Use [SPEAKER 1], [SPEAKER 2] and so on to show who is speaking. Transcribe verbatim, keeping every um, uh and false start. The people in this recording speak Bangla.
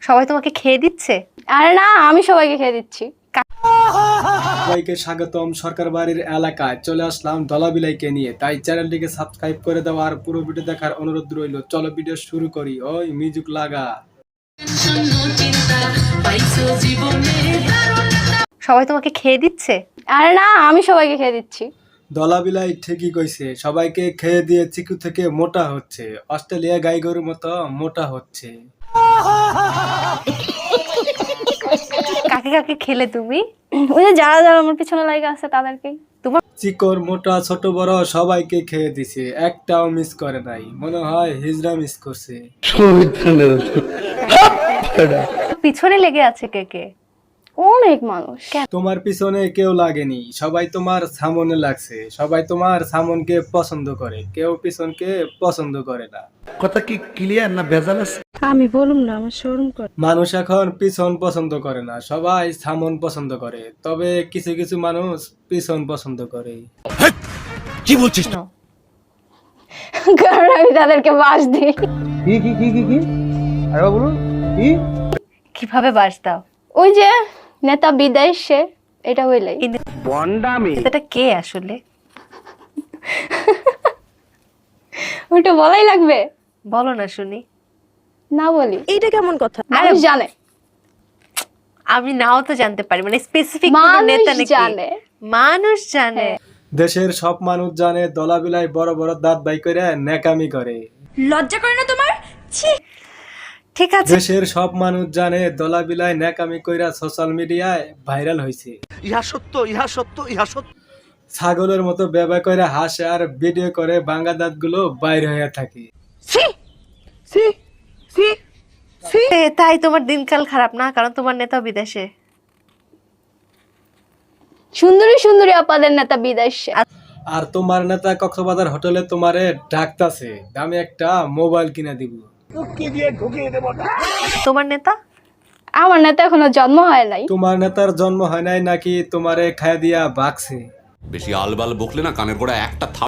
[SPEAKER 1] সবাই তোমাকে খেয়ে দিচ্ছে?
[SPEAKER 2] আরে না, আমি সবাইকে খেয়ে দিচ্ছি।
[SPEAKER 3] সবাইকে স্বাগতম সরকার বাড়ির এলাকায় চলে আসলাম দলাবিলাইকে নিয়ে, তাই চ্যানেলটিকে সাবস্ক্রাইব করে দাও আর পুরো ভিডিও দেখার অনুরোধ রইল। চলো ভিডিও শুরু করি। ওই মিউজিক লাগা।
[SPEAKER 1] সবাই তোমাকে খেয়ে দিচ্ছে?
[SPEAKER 2] আরে না, আমি সবাইকে খেয়ে দিচ্ছি।
[SPEAKER 3] দলাবিলাই ঠিকই কইছে, সবাইকে খেয়ে দিয়ে চিকু থেকে মোটা হচ্ছে, অস্ট্রেলিয়া গাই গরুর মতো মোটা হচ্ছে।
[SPEAKER 1] কাকে কাকে খেলে তুমি?
[SPEAKER 2] ওই যে যারা যারা আমার পিছনে লাগে আছে তাদেরকেই।
[SPEAKER 1] তোমার
[SPEAKER 3] চিকর মোটা ছোট বড় সবাইকে খেয়ে দিছে, একটাও মিস করে নাই। মনে হয় হিজড়া মিস করছে।
[SPEAKER 1] পিছনে লেগে আছে কে কে?
[SPEAKER 2] অনেক মানুষ।
[SPEAKER 3] তোমার পিছনে কেউ লাগেনি, সবাই তোমার সামনে লাগছে। সবাই তোমার সামনকে পছন্দ করে, কেউ পিছনকে পছন্দ করে না।
[SPEAKER 4] কথা কি ক্লিয়ার না ভেজাল আছে?
[SPEAKER 5] আমি বলুম না, আমার শরম করে।
[SPEAKER 3] মানুষ এখন পিছন পছন্দ করে না, সবাই সামন পছন্দ করে। তবে কিছু কিছু মানুষ পিছন পছন্দ করে।
[SPEAKER 4] কি বলছিস?
[SPEAKER 1] No.
[SPEAKER 2] কারণ আমি তাদেরকে বাস দিই।
[SPEAKER 4] কি কি কি কি কি আরে বলুন কি?
[SPEAKER 1] কিভাবে বাস দাও?
[SPEAKER 2] ওই যে নেতা বিদায় সে, এটা হইলেই।
[SPEAKER 1] এই
[SPEAKER 4] বন্ডামি।
[SPEAKER 1] নেতাটা কে আসলে?
[SPEAKER 2] ওইটা বলাই লাগবে?
[SPEAKER 1] বলো না শুনি।
[SPEAKER 2] না বলি?
[SPEAKER 5] এইটা কেমন কথা?
[SPEAKER 2] মানুষ জানে।
[SPEAKER 1] আমি নাও তো জানতে পারি, মানে স্পেসিফিক কোন
[SPEAKER 2] মানুষ
[SPEAKER 1] নেতা নাকি?
[SPEAKER 2] জানে।
[SPEAKER 1] মানুষ জানে।
[SPEAKER 3] দেশের সব মানুষ জানে দলাবিলাই বড় বড় দাঁত বাই করে ন্যাকামি করে।
[SPEAKER 5] লজ্জা করে না তোমার? ছি।
[SPEAKER 1] ঠিক আছে,
[SPEAKER 3] দেশের সব মানুষ জানে দলাবিলাই ন্যাকামি কইরা সোশ্যাল মিডিয়ায় ভাইরাল হইছে।
[SPEAKER 4] ইহা সত্য, ইহা সত্য, ইহা সত্য।
[SPEAKER 3] ছাগলের মতো ব্যবহার করে হাসে আর ভিডিও করে ভাঙা দাঁত গুলো বাইরে হয়ে থাকে।
[SPEAKER 4] সি সি সি সি
[SPEAKER 1] এ, তাই তোমার দিনকাল খারাপ না, কারণ তোমার নেতা বিদেশে।
[SPEAKER 2] সুন্দরী সুন্দরী আপাদের নেতা বিদায় সে।
[SPEAKER 3] আর তোমার নেতা কক্সবাজার হোটেলে তোমারে ডাকতাছে, দামি একটা মোবাইল কিনে দিব।
[SPEAKER 1] তোমার নেতা?
[SPEAKER 2] আমার নেতা এখনো জন্ম হয় নাই।
[SPEAKER 3] তোমার নেতার জন্ম হয় নাই নাকি তোমারে খায় দিয়া বাকছে?
[SPEAKER 6] বেশি আলবাল বকলে না কানের গোড়া একটা